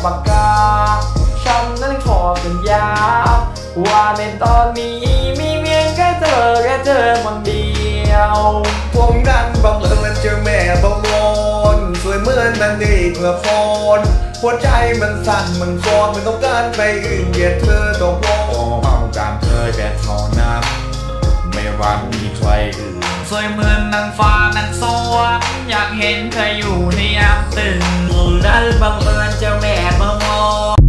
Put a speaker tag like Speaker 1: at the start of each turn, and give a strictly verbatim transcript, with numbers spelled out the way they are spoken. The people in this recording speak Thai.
Speaker 1: ปากกาฉันนั้นขอสัญญาว่าในตอนนี้มีเพียงแค่เธอแค่เธอคนเดียว
Speaker 2: ผมนั้นบังเอิญเจอแม่บังวอนสวยเหมือนนางเอกละครหัวใจมันสั่นมันฟอนมันต้องการไปอื่นเกลียดเธอต้องพอเอาการเธอแค่เท่านั้นไม่ว่ามีใครอื่น
Speaker 1: สวยเหมือนนางฟ้านางสวรรค์อยากเห็นเธออยู่ในยามตื่นนั้นบังเอิญเจอแม่บังวอน